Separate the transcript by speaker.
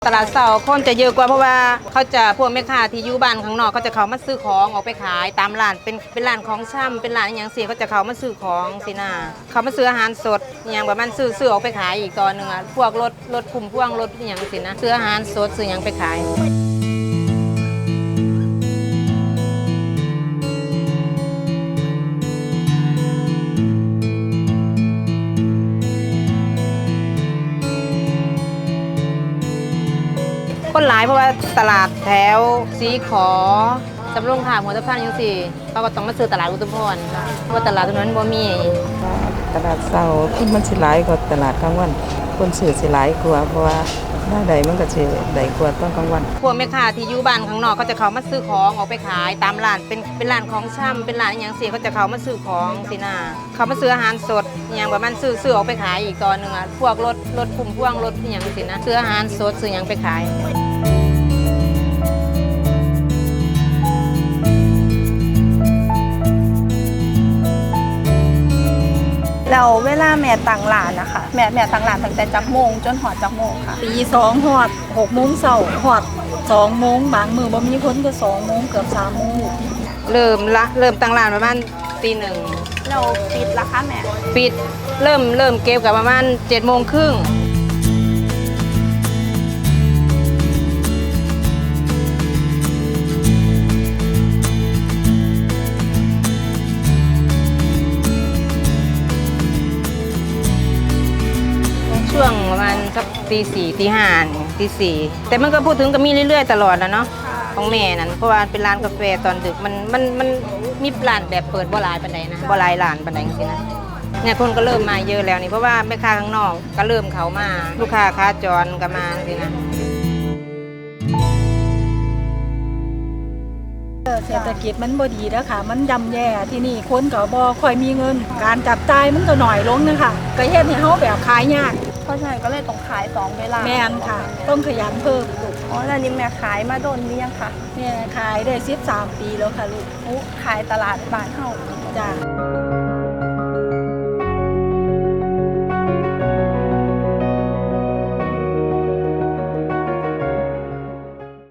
Speaker 1: ตลาดเสาร์คนจะเยอะกว่าเพราะว่าเขาจะพวกแม่ค้าที่อยู่บ้านข้างนอกเขาจะเขามาซื้อของออกไปขายตามร้านเป็นร้านของช่ำเป็นร้านอย่างเสียเขาจะเขามาซื้อของสินะเขามาซื้ออาหารสดอย่างแบบมันซื้อออกไปขายอีกตอนหนึ่งอ่ะพวกรถพุ่มพวงรถอย่างสินะซื้ออาหารสดซื้ออย่างไปขายคนหลายเพราะว่าตลาดแถวสีขอสำโรงขามหัวตะพานยังสี่เขาก็ต้องมาซื้อตลาดอุทุมพรเพราะว่าตลาดตรงนั้นบ่มี
Speaker 2: ตลาดเสาร์คนมันสิหลายกว่าตลาดกลางวันคนซื้อสิหลายกว่าเพราะว่าหน้าใดมันก็สิได้กว่าตอนกลางวัน
Speaker 1: พวกแม่ค้าที่อยู่บ้านข้างนอกเขาจะเขามาซื้อของออกไปขายตามร้านเป็นร้านของช่ำเป็นร้านอย่างเสียเขาจะเขามาซื้อของสินะเขามาซื้ออาหารสดอย่างแบบมันซื้อออกไปขายอีกตอนหนึ่งอ่ะพวกรถพุ่มพวงรถอย่างสินะซื้ออาหารสดซื้ออย่างไปขาย
Speaker 3: แล้วเวลาแม่ตั้งร้านนะคะแม่ตั้งร้านตั้งแต่จักโมงจนหอดจักโมงค่ะ
Speaker 4: ตี2ฮอด6 โมงเช้าฮอด2 โมงบางมื้อบ่มีคนก็2 โมงเกือบ3 โมง
Speaker 1: เริ่มตั้งร้านประมาณตี 1
Speaker 3: เราปิดละคะแม่
Speaker 1: ปิดเริ่มเก็บกับประมาณ7:30ช่วงประมาณสักตี 4ตี 5ตี 4แต่มันก็พูดถึงก็มีเรื่อยๆตลอดแล้วเนาะของแม่นั่นเพราะว่าเป็นร้านกาแฟตอนดึกมันมีร้านแบบเปิดบ่หลายปานใดนะบ่หลายร้านปานใดจังซี่นะเนี่ยคนก็เริ่มมาเยอะแล้วนี่เพราะว่าแม่ค้าข้างนอกก็เริ่มเข้ามาลูกค้าขาจรก็มาจังซี่นะ
Speaker 4: เศรษฐกิจมันบ่ดีแล้วค่ะมันย่ำแย่ที่นี่คนก็บ่ค่อยมีเงินการจับจ่ายมันก็น้อยลงนะคะก็เฮ็ดให้เฮาแบบขายยาก
Speaker 3: เพราะฉะนั้นก็เลยต้องขาย2เวลา
Speaker 4: แม่นค่ะต้องขยันเพิ่มลูก
Speaker 3: แล้วนี่แม่ขายมาโดนหรือยังคะ
Speaker 4: แม่ขายได้13 ปีแล้วค่ะลูก
Speaker 3: ขายตลาดบ้านเฮา
Speaker 4: จ้า